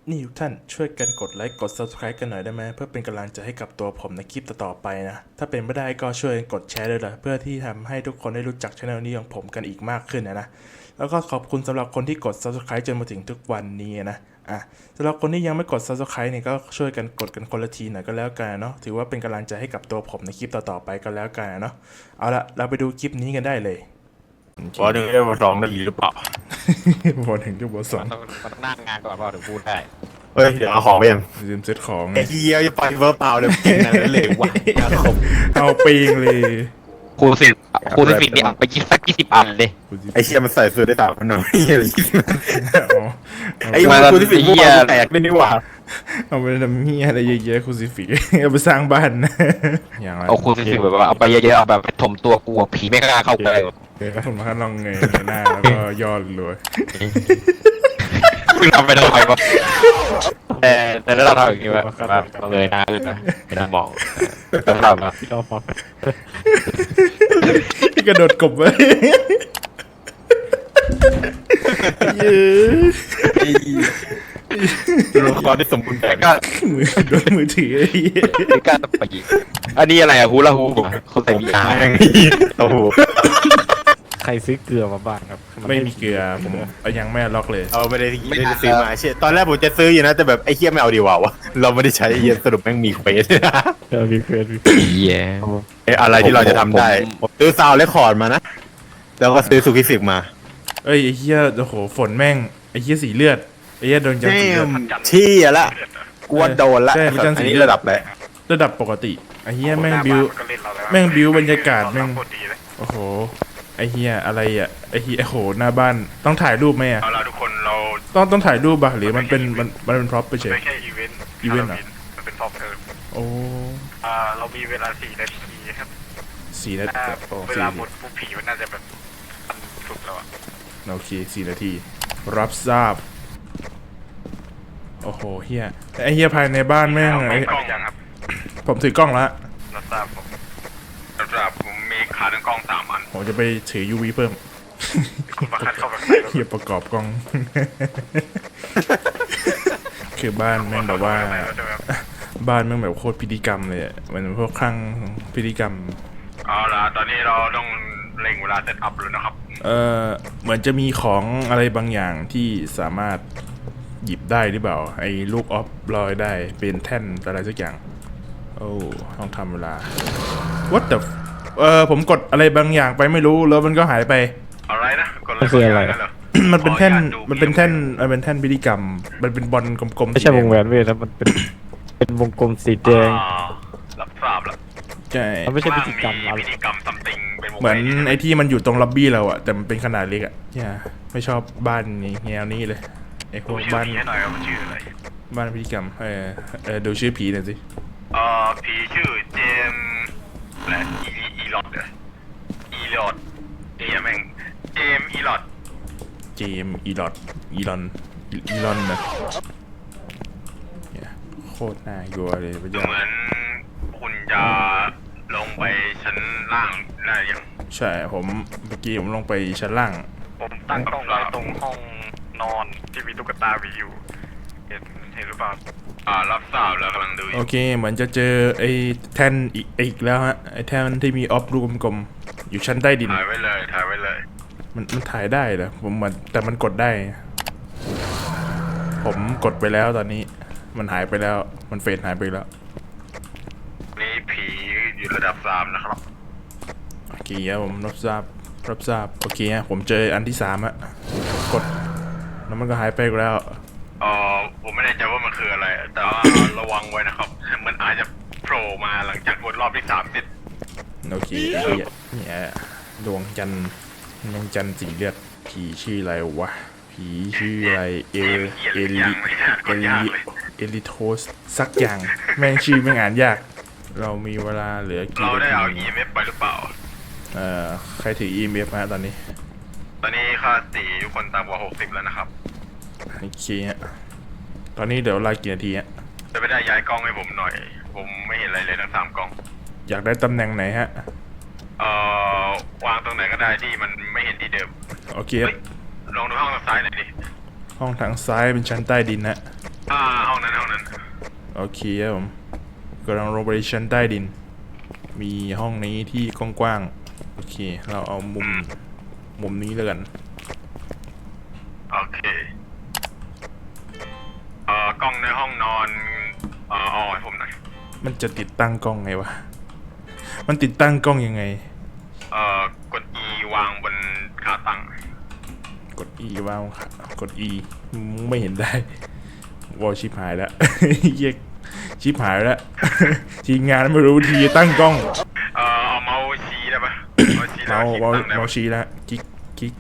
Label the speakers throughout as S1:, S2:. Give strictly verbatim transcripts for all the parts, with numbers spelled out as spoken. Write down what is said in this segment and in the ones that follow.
S1: นี่ทุกท่านช่วยกันกดไลค์กด ซับสไครบ์ กันหน่อยได้ไหมเพื่อเป็นกำลังใจให้กับตัวผมในคลิปต่อๆไปนะถ้าเป็นไม่ได้ก็ช่วยกดแชร์ด้วยละเพื่อที่ทำให้ทุกคนได้รู้จักช่องนี้ของผมกันอีกมากขึ้นนะนะแล้วก็ขอบคุณสำหรับคนที่กด ซับสไครบ์ จนมาถึงทุกวันนี้นะอ่ะสำหรับคนที่ยังไม่กด ซับสไครบ์ เนี่ยก็ช่วยกันกดกันคนละทีหน่อยก็แล้วกันเนาะถือว่าเป็นกำลังใจให้กับตัวผมในคลิปต่อๆไปก็แล้วกันเนาะเอาละเราไปดูคลิปนี้กันได้เลย
S2: บอหนึ่งได้บอสองได้หรือเปล่า
S1: บอลถึงจุดบอลสอง
S3: มันต้องมันต้องนั่งงานก่อนเปล่าถึงพูดได้
S2: เฮ้ยเดี๋ยวเอาของไปยัง
S1: ลืมเซตของ
S2: ไอ้เหี้ยจะไปเวอร์เปล่าเลยกินอะไรเลยว่ะครับ
S1: เอาปีงเลย
S3: ครูสิบครูสิบนี่เอาไปยี่สักยี่สิบอันเลย
S2: ไอ้เชี่ยมันใส่เสื้อได้สามพันหน่อยเหี้ยอะไรยี่สิบ
S1: อ๋อ
S2: ไอ้มันกูที่สิบพวกมันแตกไม่นี่หว่า
S1: เอาไปทำเฮียอะไรเยอะๆคูซิฟิกเอาไปสร้างบ้านนะอย่างไร
S3: เอาครูสิบแบบว่าเอาไปเยอะๆเอาแบบไปถมตัวกลัวผีไม่กล้าเข้าใกล้
S1: เดี๋ยวผมมาลองเงยหน้าแล้วก็ย่อรวย
S3: คุณทำไปทำไมวะแต่แต่ถ้าเราทำอย่างนี้ว่าแบบเราเลยหน้าขึ้นนะไม่ต้องมองต้องทำนะ
S1: กระโดดกบไว้เย้
S2: ตัวละครที่สมบูรณ์แบบ
S3: ก็
S1: มือโดนมือถือไอ้เหี้ย
S3: ไม่กล้าไปยิงอันนี้อะไรอะฮูลาฮูปเขาใส่มีอา
S2: แม่งโอ้โห
S4: ใครซื้อเกลือมาบ้างครับน
S1: ไม่มีเกลือผมเอายังไม่ล็อกเลย
S2: เอาไม่ได้ไม่ได้ซื้อมาเชี่ยตอนแรกผมจะซื้ออยู่นะแต่แบบไอ้เหี้ยไม่เอาดีกว่าวะเราไม่ได้ใช้เหี้ยสรุปแม่งมีเควส
S4: เออมีเกลือมี
S3: เหี้ย
S2: เอ้อะไรที่เราจะทำได้ผมซื้อซาวด์เรคคอร์ดมานะแล้วก็ซื้อซูกิฟิกมา
S1: เอ้ยไอ้เหี้ยโอ้โหฝนแม่งไอ้เหี้ยสีเลือดไอ้เหี้ยโดนจับสีเลือด
S2: ชี้อะละกวนโดนละ
S1: ใช่พระจันทร์
S2: อัน
S1: สี
S2: นี้
S1: เลือด
S2: ระดับแหละ
S1: ระดับปกติไอ้เหี้ยแม่งบิวแม่งบิวบรรยากาศแม่งโอ้โหไอ้เหี้ยอะไรอ่ะไอ้เหี้ยโอ้โหหน้าบ้านต้องถ่ายรูปไหมอ่ะ
S5: เอาล่ะทุกคนเรา
S1: ต้องต้องถ่ายรูปป่ะหรือมันเป็นมันมันเป็นพร็อพไปเฉย
S5: ไม่ใช่อีเวนต์
S1: อีเวนต์เหรอ
S5: มันเป็นท็อปเทิร์น
S1: โอ้
S5: อ่าเรามีเวลาสี่นาทีครับ
S1: สี่นาที
S5: ถ้า
S1: โอ้
S5: เว
S1: สี่
S5: ลาหมดปุ๊บผีมันน่าจะแบบมันสุดแล้วอ่ะ
S1: โอเคสี่นาที รับทราบโอ้โหเฮียไอ้เฮียภายในบ้านแม่ง
S5: เอา
S1: ไอ้
S5: ไม่กล้องยังครับ
S1: ผมถือกล้องละ
S5: รับทราบผมรับทราบผมมีขาตั้งกล้องสามอัน
S1: ผมจะไปถือ ยู วี เพิ่ม
S5: คุณประคันเข้าไปข้างในแล้ว
S1: เฮียประกอบกล้อง คือบ้านแม่งแบบว่า
S5: ใช่ไหมครับ
S1: บ้านแม่งแบบโคตรพิธีกรรมเลยอะมันพวกคลั่งพิธีกรรม
S5: เอาล่ะตอนนี้เราต้องเร่งเวลาเซตอัพแล้วนะครับ
S1: เออเหมือนจะมีของอะไรบางอย่างที่สามารถหยิบได้หรือเปล่า ไอ้ลูกออฟลอยได้เป็นแท่นอะไรสักอย่าง โอ้ต้องทำเวลา what the f- เออผมกดอะไรบางอย่างไปไม่รู้แล้วมันก็หายไป
S5: อะไรนะกด
S4: มันคืออะไร
S5: นั่นเหรอ
S1: มันเป็นแท่น
S5: ขออญาตดู
S1: มันเป็นแท่นมันเป็นแท่นพิธีกรรม มันเป็นบอลกลมๆ
S4: ไม่ใช่
S1: สี
S4: ว
S1: แด
S4: งแหวนเวทนะมันเป็น เป็นวงกลมสีแดง
S5: อ่ารับทราบแล้ว
S1: ใช่
S4: มันไม่ใช่พิธีกรรม
S5: มี
S4: อะไร
S5: พิธีกรรมซัมติงเป็นวง
S1: เหมือน
S5: แหวน
S1: ไอ้ที่มันอยู่ตรงล็อบบี้เราอะแต่มันเป็นขนาดเล็กอะเนี่ยไม่ชอบบ้านนี้แนวนี้เลยไอ้พว
S5: ดู
S1: ก
S5: ชื่อ
S1: บ้าน
S5: ผีให้หน่อยครับมันชื่ออะไร
S1: บ้านพิธีกรรมเออเออดูชื่อผีหน่อยสิ
S5: เอ่อผีชื่อเจมส์และอีอีลอดเหรออีลอดเอียแม่งเจมส์อีลอด
S1: เจมส์อีลอดอีลอนอีลอนนะเนี่ยโคตรน่ากลัวเลยพระ
S5: ดู
S1: เจ้า
S5: เหมือนคุณจะลงไปชั้นล่างได้ยัง
S1: ใช่ผมเมื่อกี้ผมลงไปชั้นล่าง
S5: ผมตั้งกล้องไว้ตรงห้องนอนที่มีตุ๊กตาวีอยู่เห็นเห็นหรือเปล่าอ่ารับทราบแล้วกำลังดูอ
S1: โอยู่ เคเหมือนจะเจอไอ้แท่นอีกอีกแล้วฮะไอ้แท่นที่มีออฟลูกกลมๆอยู่ชั้นใต้ดิน
S5: ถ่ายไว้เลยถ่ายไว้เลย
S1: มันมันถ่ายได้เหรอผมมันแต่มันกดได้ ผมกดไปแล้วตอนนี้ มันหายไปแล้วมันเฟดหายไปแล้ว
S5: นี่ผีอยู่ระดับสามนะครับ
S1: โอเคครับผมรับทราบรับทราบโอเคฮะผมเจออันที่สามอะกดแล้วมันก็หายไปอีกแล้ว
S5: เออผมไม่แน่ใจว่ามันคืออะไร แต่ว่า ระวังไว้นะครับ มันอาจจะโผล่มาหลังจากวนรอบที่สามเสร็จ
S1: โอเคไอ้เหี้ยเนี่ยดวงจันทร์ดวงจันทร์สีเลือดผีชื่ออะไรวะผีชื่ออะไรเอลเอลิเอลิเอลิโทสสักอย่างแม่งชื่อไม่งอ่านยาก เรามีเวลาเหลือกี่
S5: เราได้
S1: นา
S5: เอา
S1: ที
S5: อี เอ็ม เอฟ ไปหรือเปล่า
S1: เอ่อใครถือ อี เอ็ม เอฟ ฮะตอนนี้
S5: ตอนนี้ค่าตีทุกคนต่ำกว่าหกสิบแล้วนะครับ
S1: โอเคฮะตอนนี้เดี๋ยวเวลากี่นาทีฮะ
S5: จะไปได้ย้ายกล้องให้ผมหน่อย ผมไม่เห็นอะไรเลยทั้งสามกล้อง
S1: อยากได้ตำแหน่งไหนฮะ
S5: เอ่อวางตรงไหนก็ได้ที่มันไม่เห็นที่เดิม
S1: โอเคครับ
S5: เฮ้ยลองดูห้องทางซ้ายหน่อยดิ
S1: ห้องทางซ้ายเป็นชั้นใต้ดินฮะ
S5: อ่า
S1: โอเคครับผมกำลังลงไปชั้นใต้ดิน มีห้องนี้ที่กว้างๆโอเค เราเอามุมมุมนี้แล้วกัน
S5: โอเคเอ่อกล้องในห้องนอนเอ่อเอาให้ผมหน่อย
S1: มันจะติดตั้งกล้องไงวะ มันติดตั้งกล้องยังไง
S5: เอ่อกด E วางบนขาตั้ง
S1: กด E ว่างค่ะกด E ไม่เห็นได้วอลชิบหายแล้ว เหี้ยชิบหายแล้ว ทีมงานไม่รู้ทีตั้งกล้อง
S5: เอ่อเอาเมาส์ชี้ได้ปะเมาส์ชี้แล้
S1: เมาว
S5: คลิก
S1: เมา
S5: ตั้งได้
S1: เมา
S5: ปะ
S1: ชี้แล้วคลิกคลิก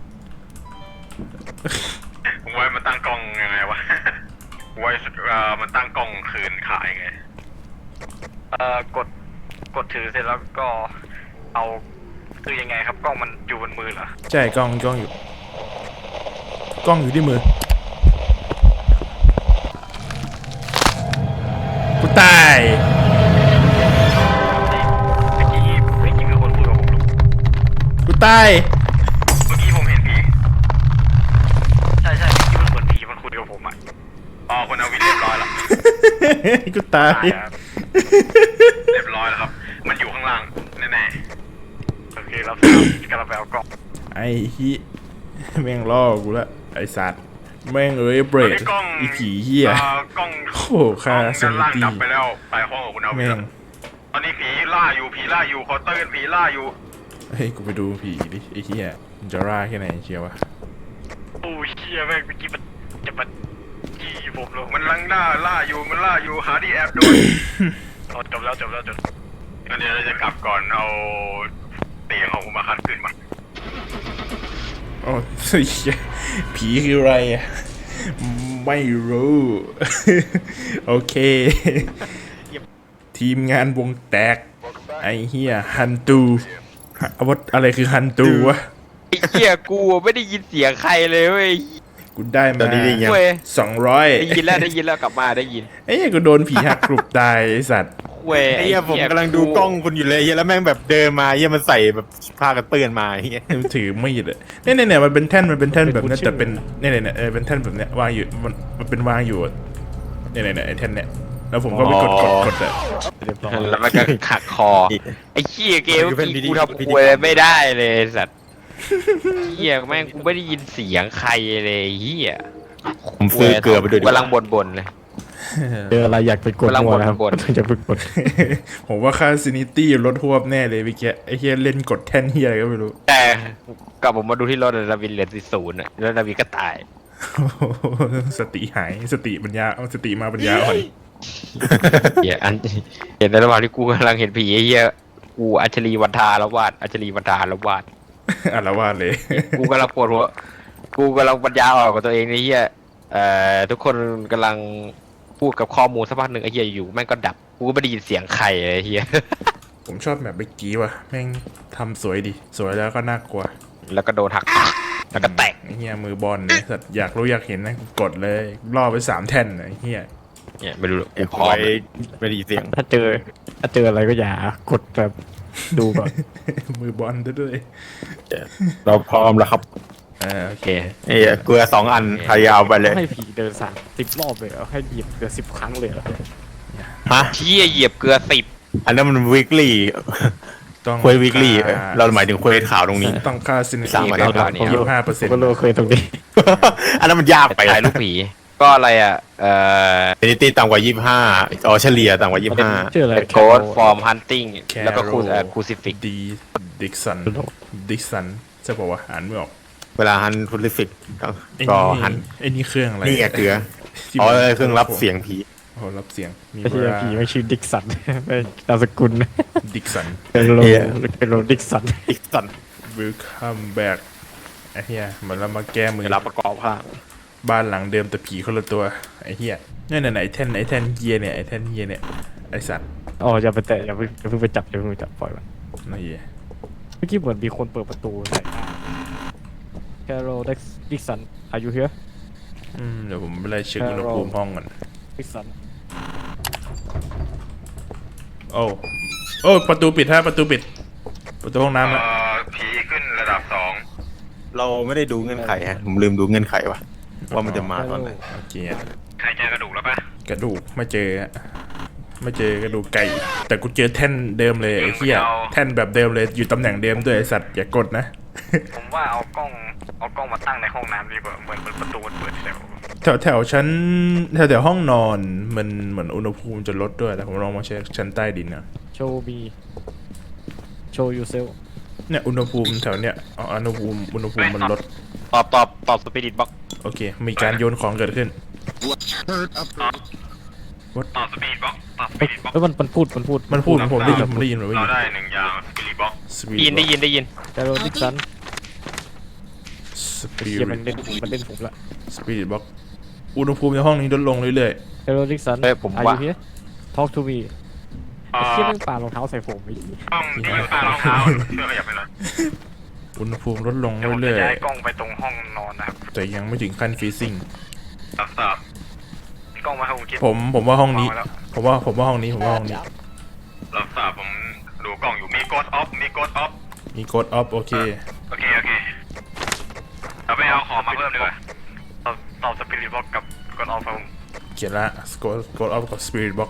S5: ผมไว้มันตั้งกล้องยังไงวะ ไว้เอ่อมันตั้งกล้องคืนขายไง
S6: เอ่อกดกดถือเสร็จแล้วก็เอาคือยังไงครับกล้องมันอยู่บนมือเหรอ
S1: ใช่กล้องกล้องอยู่ กล้องอยู่ที่มือกูตาย
S6: เมื่อกี้เมื่อกี้มีคนพูดกับผม
S1: กูตาย
S5: เมื่อกี้ผมเห็นผี
S6: ใช่ใช่เมื่อกี้มันเหมือนผีมันคุยกับผมอ่ะ
S5: อ๋อคุณเอาวินเรียบร้อยแล้ว
S1: กูตาย
S6: ใช่ครับ
S5: เรียบร้อยแล้วครับ มันอยู่ข้างล่างแน่
S6: โอเครับทราบกำลังไปเอากล้อง
S1: ไอ้ฮิแม่งล่อกูละไอ้สัตว์แม่งเอ้ยเบร
S5: ๆตอน
S1: ด
S5: นี้กล้อง
S1: อีผีเหี้ย
S5: อ่อกล้อง
S1: โอ้โหค่า
S5: ด้าน
S1: ซินิ
S5: ล่าง
S1: ตี้
S5: ดับไปแล้วไปห้องของคุณเอาวิ
S1: แม่
S5: น
S1: ง
S5: ตอนนี้ผีล่าอยู่ผีล่าอยู่คอเตอร์ผีล่าอยู่
S1: เฮ้ยกูไปดูผีดิไอ้เหี้ยมันจะร่าแค่ไหนเชียววะ
S6: โอ้ยเชี่ยแม่งเมื่อกี้มันจะมาจี้ผมเลย
S5: มันลังล่าล่าอยู่มันล่าอยู่หาที่แอบด้วย
S6: เอาจบแล้วจบแล้วจบ
S5: งั้นเดี๋ยวเราจะกลับก่อนเอาเตียงของคุณมาคันขึ้นมา
S1: โอ้ยเหี้ยผีคืออะไรอะไม่รู้ โอเค ทีมงานวงแตก ไอ้เหี้ยฮันตูอาวุธอะไรคือฮันตูวะ
S3: ไอ้เหี้ยกูไม่ได้ยินเสียงใครเลยเว้ย
S1: กูได้
S2: ตอ
S1: มาน
S2: นี้ได้ยัง
S3: เว้ย
S1: สองร้อย
S3: ได้ยินแล้วได้ยินแล้วกลับมาได้ยิน
S1: ไอ้เหี้ยกูโดนผีหักกรุบตายไอ้สัตว์
S3: เว้ย
S2: ไอ้เหี้ยผมกำลังดูกล้องคุณอยู่เลยเหี้ยแล้วแม่งแบบเดินมาเหี้ยมันใส่แบบผ้ากันเปื้อนมาเหี้ย
S1: มันถือมีดอะเนี่ยเนี่ยเนี่ยมันเป็นแท่นมันเป็นแท่นแบบเนี้ยแต่เป็นเนี่ยเนี่ยเนี่ยเออเป็นแท่นแบบเนี้ยวางอยู่มันมันเป็นวางอยู่อะเนี่ยเนี่ยเนี่ยไอ้แท่นเนี่ยแล้วผมก็ไปกดกดกดอะ
S4: เรียบร้อย
S3: แล้วมันก็ขักคอ ไอ้เหี้ยเกมเมื่อกี้กูทำควยไม่ได้เลยไอ้สัตว์เหี้ยแม่งกูไม่ได้ยินเสียงใครเลยไอ้เหี้ย
S2: ผมซื้อเกลือไปด้วยดิ
S3: กำลังบ่นๆเลย
S4: เจออะไรอยากไปกด
S3: กำลัง
S4: มัวนะครับ
S3: บ่น
S4: อยากไปกด
S1: ผมว่าค่าซินิตี้ลดหวบแน่เลยเมื่อกี้ไอ้เฮียเล่นกดแท่นเฮียอะไรก็ไม่รู้
S3: แต่กลับผมมาดูที่รถนาวินเหลือสิศูนย์อะแล้วนาวินก็ตาย
S1: สติหายสติปัญญาเอาสติมาปัญญาอ่อน
S3: เหี้ยอันเห็นในระหว่างที่กูกำลังเห็นผีไอ้เหี้ยกูอัญชลีวันทาละวาดอัญชลีวันทาละวาด
S1: อารวาสเลย
S3: กูกำลังปวดหัวกูกำลังปัญญาอ่อนกับตัวเองไอ้เหี้ยเอ่อทุกคนกำลังพูดกับข้อมูลสักพักหนึ่งไอ้เหี้ยอยู่แม่งก็ดับกูก็ไม่ได้ยินเสียงใครเลยไอ้เหี้ย
S1: ผมชอบแบบเมื่อกี้ว่ะแม่งทำสวยดีสวยแล้วก็น่ากลัว
S3: แล้วก็โดนหักแล้วก็แตก
S1: ไอ้เฮียมือบอลเนี่ยสัตว์อยากรู้อยากเห็นนะกูกดเลยล่อไปสามแท่นน่ะไอ้เฮีย
S3: เนี่ยไม่รู้หรอก
S2: เอ็ม
S3: พ
S2: พ
S3: ร้อ
S2: อ
S3: ม
S2: ยไม่ได้ยินเสียง
S4: ถ้าเจอถ้าเจออะไรก็อย่ากดแบบดูก่อน
S1: มือบอลด้วย
S2: เราพร้อมแล้วครับ
S1: เออโอ
S3: โอ
S1: เค
S3: เค
S2: เอ้ยเกลือสองอันพยายามไปเลย
S4: ให้ผีเดินสามสิบรอบเลยเหรอให้เหยียบเกือบสิบครั้งเลยเหรอ
S2: ฮะ
S3: เชี่ยเหยียบเกลือสิบ
S2: อันนั้นมันวีคลี่
S1: ต้อง
S2: เควสวีคลี่เราหมายถึงเควสข่าวตรงนี้
S1: ต้องค่าซินิ
S2: สาม
S1: ตี้
S2: อัน
S1: เก้า
S2: เท่า
S1: บาท
S2: นี้
S1: ยี่สิบห้าเปอร์
S4: ผ
S1: เซ็น
S4: ม
S1: ต์
S4: ก็รู้เคยตรงนี้
S2: อันนั้นมันยากไป
S3: ถ่ายรูปผี ก็อะไรอ่ะ เอ่อ
S2: เซนิตี้ต่ำกว่ายี่สิบห้าอ๋อเฉลี่ยต่ำกว่ายี่สิบห้า
S4: ชื่ออะไร
S3: โกดฟอร์มฮันติงแล้วก็คูเอ่อคูซิฟิก
S1: ดีดิกสันดิกสันใช่ป่าวะอ่านไม่ออก
S2: เวลาฮันพุลิฟิก
S1: ไอ้
S2: ก็
S1: นี่
S2: หัน
S1: ไอ้นี่เครื่องอะไร
S2: นี่ไงเกลือ
S1: ที่
S2: อ๋อ
S1: มัน
S2: เครื่องรับเสียงผี
S1: โอ้โหรับเสียงมี
S4: ไอ้
S1: เว
S4: เหี้ย
S1: ลา
S4: ผีไม่ชื่อดิกสัน ไม่นามสกุล
S1: ดิกสัน
S4: เป็นโล
S2: เหี้ย
S4: เป็นโลดิกสัน
S2: อีกสัน
S1: welcome back ไอ้เหี้ยเหมือนเรามาแก้มือ
S2: เวลาประกอบภาพ
S1: บ้านหลังเดิมแต่ผีคนละตัวไอ้เหี้ยนี่นไหนไอ้แท่นไอ้แท่นเฮียเนี่ยไอ้แท่นเฮียเนี่ยไอ้สัตว์
S4: อ๋ออย่าไปแตะอย่าเพิ่งอย่าเพิ่งไปจับอย่าเพิ่งไปจับปล่อยมัน
S1: นี่เหี้ย
S4: เมื่อกี้เหมือนมีคนเปิดประตูใส่แคโรดิกสันอายุเฮีย
S1: อืมเดี๋ยวผมไปไล่เช็คอุณหภูมิห้องก่อน
S4: ดิกสัน
S1: โอ้โอ้ประตูปิดฮะประตูปิด ประตูห้องน้ำ
S5: เอ่
S1: อะ
S5: อผีขึ้นระดับสอง
S2: เราไม่ได้ดูเงื่อนไขฮะผมลืมดูเงื่อนไขว่ะว่ามันจะมาตอนไหน
S1: โอเค
S5: ใครเจอกระดูกแล้วปะ
S1: กระดูกไม่เจออะไม่เจอกระดูกไก่ แต่กูเจอแท่นเดิมเลยไอ้เหี้ยแท่นแบบเดิมเลยอยู่ตำแหน่งเดิมด้วยไอ้สัตว์อย่ากดนะ
S6: ผมว่าเอากล้องเอากล้องมาตั้งในห้องน้ำดีกว่าเหมือนประตูมันเปิดแล้ว
S1: แถวแถวชั้นแถวแถวห้องนอนมันเหมือนอุณหภูมิจะลดด้วยแต่ผมลองมาเช็คชั้นใต้ดินนะ
S4: โชว์มีโชว์ยูเซล
S1: เนี่ยอุณหภูมิแถวเนี้ยอ๋ออุณหภูมิอุณหภูมิมันลด
S3: ตอบตอบตอบสปิริตบ็อก
S1: โอเค มีการโยนของเกิดขึ้น
S5: ต่อสปีดบ็อกต่อส
S4: เอ้
S5: ปี
S4: ย
S5: ดบ็อก
S4: เอ้ยมันมันพูดมันพูด
S1: มันพูดผมได้ยินผมได้ยินผมได้
S5: เรา
S1: ยิน
S5: ได้หนึ่งอย่างสปีดบ็อก
S3: ได้ยินได้ยินได้ยิน
S4: แคโรดิกสัน
S1: สปิ
S4: เฮียมัน
S1: ริ
S4: เล่นมันเล่นผมละ
S1: สปิริตบ็อกอุณหภูมิในห้องนี้ลดลงเรื่อย
S4: แคโรดิกสัน
S3: เฮ้ยผม
S4: อา
S3: ว่า
S4: ยุเฮีย talk to me ไอ้เฮียแม่งปารองเท้าใส่ผมไอ้เหี้ย
S5: ห้องที่อยู่ใต้รองเท้าเชื่อขยับไปเลย
S1: ๆอุณหภูมิลดลง
S6: เดี๋ยวผมจะ
S1: เรื่อย
S6: ย้ายกล้องไปตรงห้องนอนนะครับ
S1: ๆแต่ยังไม่ถึงขั้นฟรีซิ่ง
S5: รับทราบ
S6: กล้องมาให้ผมคิด
S1: ผมผมว่าห้องนี้
S6: วางไว้แล้ว
S1: ผมว่าผมว่าห้องนี้ผมว่าห้องนี้
S5: รับทราบผมดูกล้องอยู่มีโกดออฟมีโกดออฟ
S1: มีกดออฟโอเค
S5: โอเคโอเคเราไปเอาของมาเพิ่มดีกว่า
S6: ตอบตอบสปิริตบ็อกกับกดออฟครับผม
S1: เขียนละกดกดออฟกับสปิริตบ็อก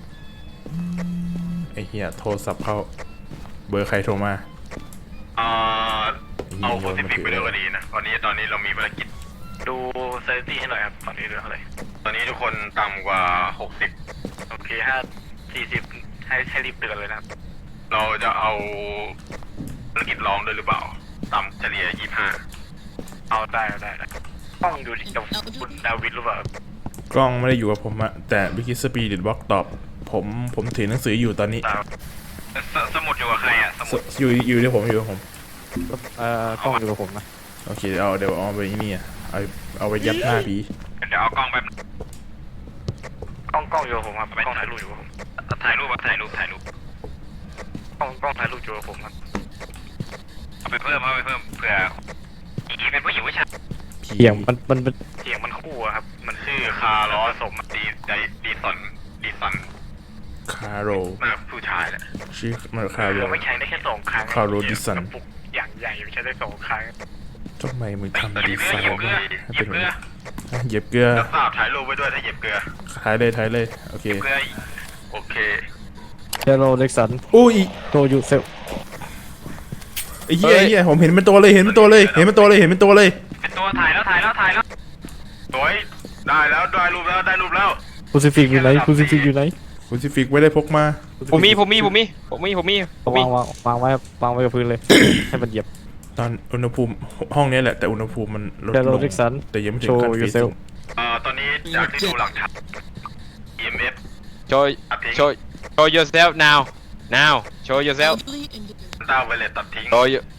S1: ไอ้เหี้ยโทรศัพท์เข้าเบอร์ใครโทรมา
S5: เอ่อเอาโคซิฟิกไปด้วยก็ดีนะตอนนี้ตอนนี้เรามีภารกิจ
S6: ดูเซนตี้ให้หน่อยครับตอนนี้เหลือเท่าไหร่
S5: ตอนนี้ทุกคนต่ำกว่าหกสิบ
S6: โอเคห้าสี่สิบให้ให้รีบเตือนเลยนะครับ
S5: เราจะเอาภารกิจรองด้วยหรือเปล่าต่ำเฉลี่ยยี่ห้า
S6: เอาได้เอาได้ได้กล้องอยู่ที่กับคุณดาวิดหรือเปล่าก
S1: ล้องไม่ได้อยู่กับผมอะแต่วิกิสปีดิตบ็อกตอบผมผมถือหนังสืออยู่ตอนนี้
S6: ตาม
S5: สสมุดอยู่กับใครอ่ะส
S1: ส
S5: มุด
S1: อยู่อยู่ที่ผมอยู่กับผม
S4: เอ่อกล้องอยู่กับผมนะ
S1: โอเคเอาเดี๋ยวเอาไปนี่อะเอาเอาไปยัดหน้าผี
S5: เดี๋ยวเอากล้องไป
S6: กล้องกล้องอยู่กับผมครับกล้องถ่ายรูปอยู่กับผม
S5: ถ่ายรูปถ่ายรูปถ่ายรูป
S6: กล้องกล้องถ่ายรูปอยู่กับผมครับ
S5: เอาไปเพิ่มเอาไปเพิ่มเผื่ออีเป็นผู้หญิงผู้ชาย
S1: ผี
S4: เสียงมันมันมัน
S6: เสียงมันคู่อะครับมัน
S5: ชื่อคาร์ลอสมดีไดดีสันดีสัน
S1: คาโร
S5: น่าผู้ชายแหละ
S1: ชื่อมันคาโร
S6: เราไม่ใช้ได้แค่สองครั้ง
S1: คาร์โรดิสัน
S6: กระปุกอย่างใหญ่ไม่ใช้ได้สองครั้ง
S1: ทำไมมึง
S5: เห
S1: ทำดี
S5: ยียบ
S1: ไซ
S5: เกลือ
S1: น์
S5: เหยียบเกลือ
S1: ให้
S5: เหยี
S1: เป็
S5: ย
S1: น
S5: บ
S1: แบบ
S5: เกลือ
S1: นี้เหยียบเกลือ
S5: แล้วทราบถ่ายรูปไว้ด้วยถ้าเหยียบเกลือ
S1: ท้ายเลยท้ายเลยโอเค
S5: เกลือโอเค
S4: แคโรดิกสัน
S1: อุ้ย
S4: โชว์ยูเซล
S1: ไอ้เหี้ยไอ้เหี้ยผมเห็นเป็นตัวเลยเห็นเป็นตัวเลยเห็นเป็นตัวเลยเห็นเป็นตัวเลย
S5: เป็นตัวถ่ายแล้วถ่ายแล้วถ่ายแล้วสวยได้แล้วได้รูปแล้วได้รูปแล้ว
S4: คูซิฟิกอยู่ไหนคูซิฟิกอยู่ไหน
S1: คุณซิฟิกไม่ได้พกมา
S3: ผมมีผมมีผมมีผมมีผมมีผมมี
S4: วางวางวางไว้วางไว้กับพื้นเลย ให้มันเหยียบ
S1: ตอนอุณหภูมิห้องนี้แหละแต่อุณหภูมิมันลด
S4: แคโร
S1: ลง
S4: ดิกสัน
S1: แต่ยังไม่ถึ
S4: โช
S1: ง
S4: ว์
S1: ขั้นฟ
S4: ยู
S1: รี
S4: เซ
S1: ซิ่
S4: ล
S1: ง
S5: เอ่อตอนนี้จากที่ดูหลักฐาน อี เอ็ม เอฟ
S3: โชว์โชว์ show yourself now now show yourself
S5: ต้าไวเลตตัดทิ้ง
S3: show you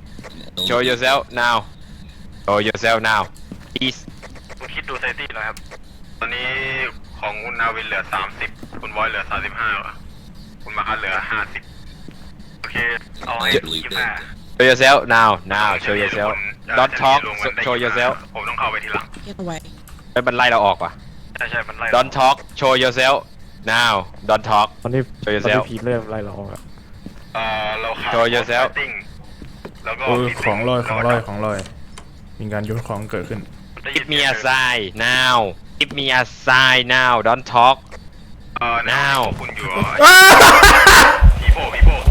S3: show yourself now show yourself now please
S6: คุณคิดดูเซนตี้หน่อยครับ
S5: ตอนนี้ของคุณนาวินเหลือสามสิบคุณบอยเหลือสามสิบห้าคุณมาคัสเหลือห้าสิบ
S6: โอเคเอาให้ยี่สิบห้า
S3: show yourself now now show yourself don't talk show yourself
S5: ผมต้องเข้าไปทีหลัง
S7: Get away.
S3: ไปมันไล่เราออกว่ะ
S6: ใช่ใช่มันไล่
S3: don't talk show yourself now don't talk
S4: ตอนนี้
S3: Show
S4: ตอน
S3: yourself
S4: นี้ผีเริ่มไล่เราออกแล้ว
S5: เอ่อเราขาด
S3: Show yourself
S5: ติ้งแล้วก็
S1: เออของลอยของลอยของลอยมีการโยนของเกิดขึ้น
S3: give me a sign now give me a sign now don't talk
S5: เอ่อ
S3: now
S5: คุณอยู่ผีโผล่ผีโผล่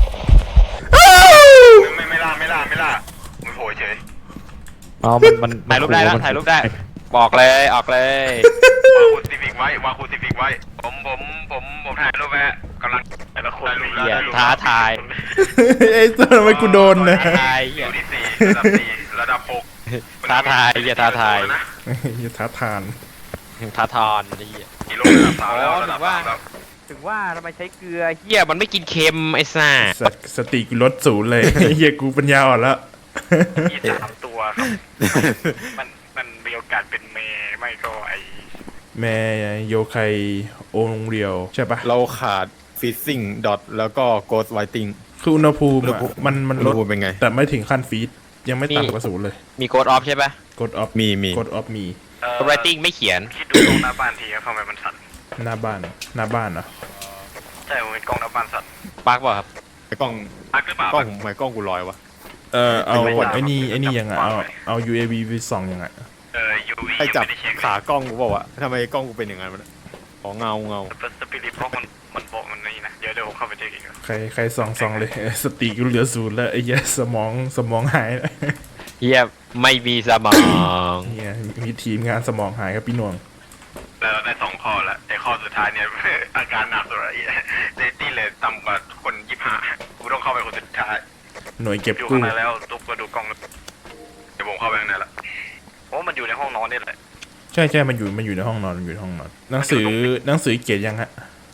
S5: ไม่ไม่ล่าไม่ล่าไม่ล่าไม่โผล่เฉย
S4: อ๋อมันมัน
S3: ถ่ายรูปได้แล้ว
S4: มัน
S3: ถ่ายรูปได้บอกเลยออกเลยว
S5: างคูซิฟิกไว้วางคูซิฟิกไว้ผมผมผมผมถ่ายรูปไว้กำลัง
S6: แต่ละคน
S5: ได้รูปแล้ว
S3: เหี้ย
S5: ได้รูป
S3: ท้าทาย
S1: ไอ้ตัวทำไมกูโดนนะ
S3: ท้าทาย
S5: อ
S3: เหี้ย
S5: ยู่ที่สี่ระดับสี่ระดับหก
S3: ท้าทายเหี้ยท้าทาย
S5: นะ
S1: อย่าท้าทาน
S3: ท้าทอนไอ้เหี้ย
S5: กิโลระดับสามแล้วระดับสามแล้ว
S3: ถึงว่าทำไมใช้เกลือเหี้ยมันไม่กินเค็มไอ้ซ่า
S1: สตสติกูลดศูนย์เลยไอ้เหี้ยกูปัญญาอ่อนแล้ว
S6: มีสามตัวครับ มันมันมีโอกาสเป็นเมย์ไม่ก็ไอ
S1: แม่โยไคโองเรียวใช่ปะ
S2: เราขาดฟิซซิ่งดอทแล้วก็โกสไวติ้ง
S1: คืออุณหภูมิอะมันมันลด
S2: อุณหภูมิเป็นไง
S1: แต่ไม่ถึงขั้นฟีดยังไม่ต่ำกว่าศูนย์เลย
S3: มีโกดออฟใช่ปะ
S1: กดออฟ
S2: มีมี
S1: กดออฟมี
S6: เอ่อ
S3: โกดไรติ้งไม่เขียน
S6: คิดดูตรงหน้าบ้านทีครับทำไมมันสั่น
S1: หน้าบ้านหน้าบ้านเหรอ
S6: ใช่ผมเป็นกล้องหน้าบ้านสั่น
S3: ปักเปล่าครับ
S2: ไอ้กล้อง
S5: พักหรือเปล่าก
S2: ล้องผมทำไมกล้องกูลอยวะ
S1: เออเอา
S6: ไม่ได้
S1: ไอ้นี่ไอ้นี่ยังไงเอาเอา ยู เอ วี ไปส่องยังไง
S5: เออ ยู วี
S2: ไอ้จับ
S5: ไม่ได้เช็ค
S2: ขากล้องกูบอกว่าวะทำไมกล้องกูเป็นอย่างนั้นวะเนี่ยของเงาเงา
S6: แต่สปิริตบล็อกมันมันบอกมันนี่นะเดี๋ยวเดี๋ยวผมเข้าไปเช็คอีกนะ
S1: ใครใครส่องส่องเลย สติกูเหลือศูนย์แล้วไอ้เหี้ยสมองสมองหายแล้ว
S3: เฮียไม่มีสมอง
S1: เหี้ยมีทีมงานสมองหายครับพี่หน่วง
S5: แล้วเราได้สองข้อแล้วไอ้ข้อสุดท้ายเนี่ย อาการหนักสุดเลยเดตี้เลยต่ำกว่าคนยี่ห้ากูต้องเข้าไปคนสุดท้าย
S1: หน่วยเก็บ
S6: อยู่
S1: กู้
S6: ข้างในแล้วตุ๊กก็ดูกล้องแล้ว
S5: เดี๋ยวผมเข้าไปข้างในละ
S6: โอ้มันอยู่ในห้องนอนนี่แหละ
S1: ใช่ใช่มันอยู่มันอยู่ในห้องนอนมันอยู่ในห้องนอนหนังสือหนังสือเกียรติยังฮะ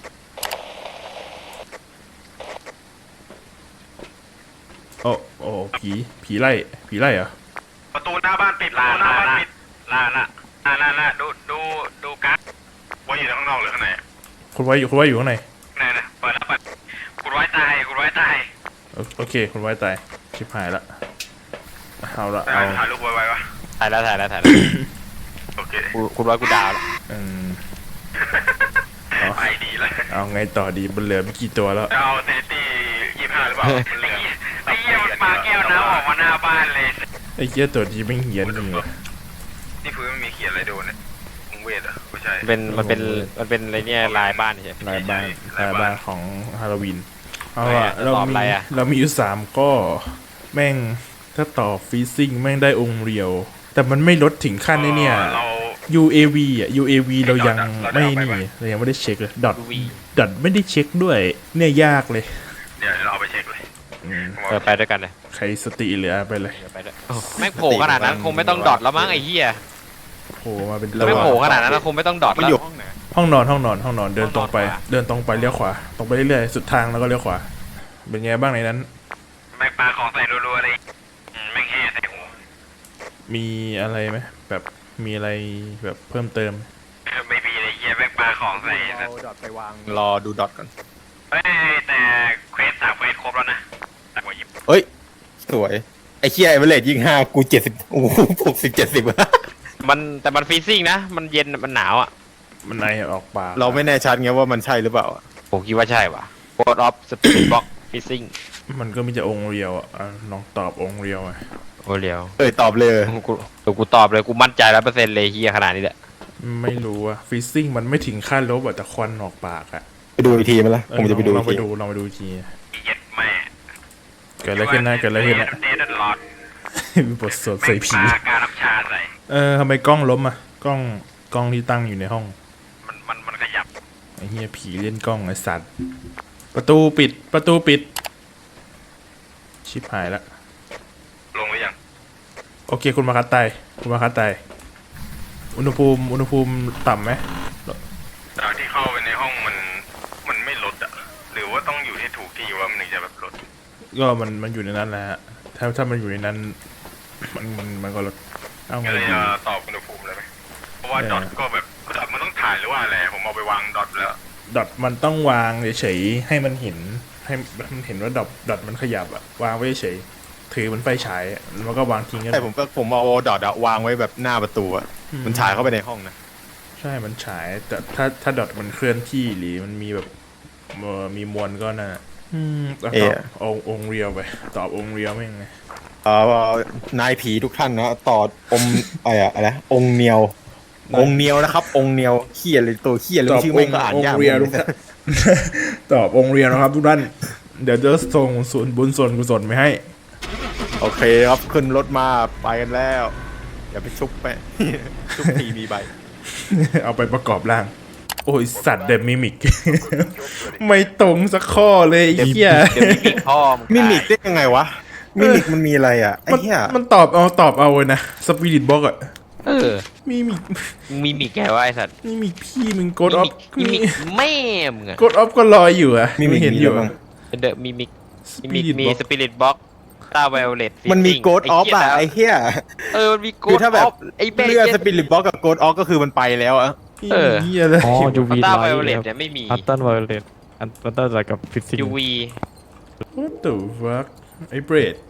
S1: โอ้โอ้ผีผีไล่ผีไล่เหรอ
S5: ประตูหน้าบ้านปิดประตูหน้าบ้านปิด
S6: ลาละ
S5: อ่าน่าน่าดูดูดูการ์ดว่าอยู่ข้างนอกหรือข้างใน
S1: คุณไว้อยู่คุณไว้อยู่ข้างใน
S5: ข้างในนะเปิดแล้วเปิดคุณไว้ตายคุณไว้ตาย
S1: โอโอเคคุณไว้ตายชิบหายละเอาละ
S5: ถ่า
S1: เอา
S5: ยถ่ายรูปไว้ไว้วะ
S3: ถ่ายแล้วถ่ายแล้วถ่ายแล้ว
S5: โอเค
S3: กูคุณว่ากูดาวแล้ว
S1: อืมเอา
S5: ไปดีแล้ว
S1: เอาไงต่อดีมันเหลือไม่กี่ตัวแล้ว
S5: จะเอาเดตี้ยี่ห้าหรือเปล่ามันเหลือ
S6: ไอ้เหี้ยมันปาแก้วน้ำออกมาหน้าบ้านเลย
S1: ไอ้เกี้ยตัวนี้ไม่งเหี้ยนจริงวะ
S5: นี่พื้นมันมีเขียนอะไรโดนเนี่ยมึงเวทเหรอ่ะไม่ใช่
S3: มันเป็นมันเป็นมันเป็นอะไรเนี่ยลายบ้านใช่ไหม
S1: ลายบ้าน
S5: ลา
S1: ลาย ย
S5: บ้าน
S1: บ้านของฮาโลวีนเอา
S3: อะไร
S1: อะ
S3: อะ
S1: เรา
S3: ตอบ
S1: มี
S3: อะไรอะ
S1: เรามีอยู่สามก็แม่งถ้าต่อฟีซิ่งแม่งได้องค์เรียว แต่มันไม่ลดถึงขั้นนี้เนี่ย
S5: เรา
S1: ยู เอ วี อ่ะ ยู เอ วี เรายัง
S5: เราได้
S1: ไม่
S5: เอาไป
S1: นี่
S5: ปะ
S1: เรายังไม่ได้เช็คเลยดอท
S3: วี
S1: ดอทไม่ได้เช็คด้วย เนี่ยยากเลย
S5: เดี๋ยวเราเอาไปเช็คเลย
S1: อืม
S3: เออไปด้วยกันเลย
S1: ใครสติเหลือไปเลย
S3: เดี๋ยวไปด้วยแม่งโผล่ขนาดนั้นคงไม่ต้องดอทแล้วมั้งไอ้เหี้ย
S1: โผล่มาเป็น
S3: แม่งโผล่ขนาดนั้นคงไม่ต้องดอท
S2: มัน
S3: แล้ว
S2: อยู่ห้องไหน
S1: ห้องนอนห้องนอนห้องนอนเดินตรงไป
S3: ห้องนอนขวา
S1: เดินตรงไปเลี้ยวขวาตรงไปเรื่อยๆสุดทางแล้วก็เลี้ยวขวาเป็นไงบ้างในนั้น
S5: แม่งปลาของใส่รัวๆเลยอืมแม่งแห่ใส่หัว
S1: มีอะไรไหมแบบมีอะไรแบบเพิ่มเติม
S5: ไม่มีเลยเหี้ยแม่งปลาของใส่
S2: เอาดอทไปวางรอดูดอทก่อน
S5: เฮ้ยแต่เควสสามเควสครบแล้วนะแต่กว่ายิบ
S2: เอ้ยสวยไอ้เคียไอ้เวลเลตยิงห้ากูเจ็ดสิบโอ้โหหกสิบเจ็ดสิบ
S3: มันแต่มันฟรีซิ่งนะ มันเย็นมันหนาวอ่ะ
S1: มันไอออกปาก
S2: เราไม่แน่ชัดไงว่ามันใช่หรือเปล่า
S3: ผมคิดว่าใช่ว่ะ Code of Spirit Box Fishing
S1: มันก็มีแต่องค์เรียวอ่ะอ่ะลองตอบองค์เรียวอ่ะ
S3: โอ้เลียว
S2: เอ้ยตอบเลย
S3: กูกูกูตอบเลยกูมั่นใจร้อยเปอร์เซ็นต์เลยเฮียขนาดนี้แหละ
S1: ไม่รู้อ่ะฟิซซิ่งมันไม่ถึงขั้นลบอ่ะแต่ควันออกปากอ่ะ
S2: ไปดูอีกทีไหมล่ะ
S1: เออ
S2: ผมจะไปดู
S1: ล
S2: อี
S1: อง
S2: ก
S1: ไป
S2: ที
S1: ดูลองไปดูอีกที
S5: เย็ดแม่
S1: เกิดอะไรขึ้นนะเกิดอะไรขึ้นนะ
S5: เดดหลอด
S1: มีบทสวดใส่ผี
S5: แม่งปลาการน้ำชาใส่
S1: เออทำไมกล้องล้มอ่ะกล้องกล้องที่ตั้งอยู่ในห้อง
S5: มันมันมันขยับ
S1: ไอ้เหี้ยผีเล่นกล้องไอ้สัตว์ประตูปิดประตูปิด ชิบหายละ
S5: ลงหรือยัง
S1: โอเคคุณมาคัดไตคุณมาคัดไตอุณหภูมิอุณหภูมิต่ำไหม
S5: จากที่เข้าไปในห้องมันมันไม่ลดอ่ะหรือว่าต้องอยู่ที่ถูกที่ว่ามันถึงจะแบบลด
S1: ก็มันมันอยู่ในนั้นแหละฮะถ้าถ้ามันอยู่ในนั้น มันมันมันก็ลดเอาไง
S5: ก็เลย
S1: ดี
S5: จะตอบอุณหภูมิเลยไหมเพราะว่า
S1: เออ
S5: ดอทก็แบบดอทมันต้องถ่ายหรือว่าอะไรผมเอาไปวางดอทแล้ว
S1: ดอทมันต้องวางเฉยๆให้มันเห็นให้มันเห็นว่าดอทดอทมันขยับอะวางไว้เฉยๆถือมันไฟฉายอะแล้วก็วางทิ้งกัน
S2: ใช่ผมก็ผมเอาดอทอะวางไว้แบบหน้าประตูอะมันฉายเข้าไปในห้องนะ
S1: ใช่มันฉาย แต่ถ้าถ้าดอทมันเคลื่อนที่หรือมันมีแบบเอ่อมีมวลก็น่ะอืมเอาตอบองค์องค์เรียวไปตอบองค์เรียวไม่งไง
S2: เอ่อนายผีทุกท่านนะต่ออมอะไรอะอะไรนะองค์เนียว องค์เนียวนะครับ องค์เนียวเขี้ยเลยตัวเขี้ยเลยชื่อไม่งก็อ่านยาก
S1: องค์เรียวทุกท่าน ตอบองค์เรียวนะครับทุกท่านเดี๋ยวจะส่งส่วนบุญส่วนกุศลไปให้
S2: โอเคครับขึ้นรถมาไปกันแล้วอย่าไปชุบไป ชุบทีมีใบ
S1: เอาไปประกอบร่าง โอ้ยสัตว์เดมิมิก ไม่ตรงสักข้อเลยไอ้เหี้ย
S3: เดี๋ยวมีมิกพ่อมึง
S2: มิมิกได้ยังไงวะมิมิกมันมีอะไรอ่ะไอ้
S1: มัน
S2: เหี้ย
S1: มันตอบเอาตอบเอาเลยนะสปิริตบ็อกอะ
S3: เออ
S1: มีมิก
S3: มึงมีมิกแกวะไอ้สัตว์
S1: มีมิกพี่มึงกดออฟ
S3: มีมิกแม่มึงอะ
S1: กดออฟก็รออยู่อะ
S2: มิมิก
S1: เห็น
S2: มี
S1: อยู่
S2: อะไรบ้าง
S3: เดอะมีมิก
S1: ส
S3: มี
S1: ปิ
S3: มิก
S1: ริต
S3: มี
S1: บ็อก
S3: สปิริตบ็อกตาไวโอเลต
S2: มันมีโกดออฟอ่ะไอ้เหี้ย
S3: เออมันมีโก
S2: คือ
S3: ด
S2: ถ้า
S3: อ
S2: แบบ
S3: อฟไอ้เบ
S2: เลือด
S3: เจ
S2: สปิริตบ็อกกับโกดออฟก็คือมันไปแล้วอะ
S3: เออ
S1: เหี้ยเลย
S4: อ๋อ ยูวี
S3: ตา
S4: ไล
S3: ไวโอเลต
S4: ท์
S3: เนี่ยไม่มี
S4: อัลตันไวโอเลตอัลตันอะไรกับฟิสิก
S3: ยูวี
S1: What the fuck ไอ้เบรด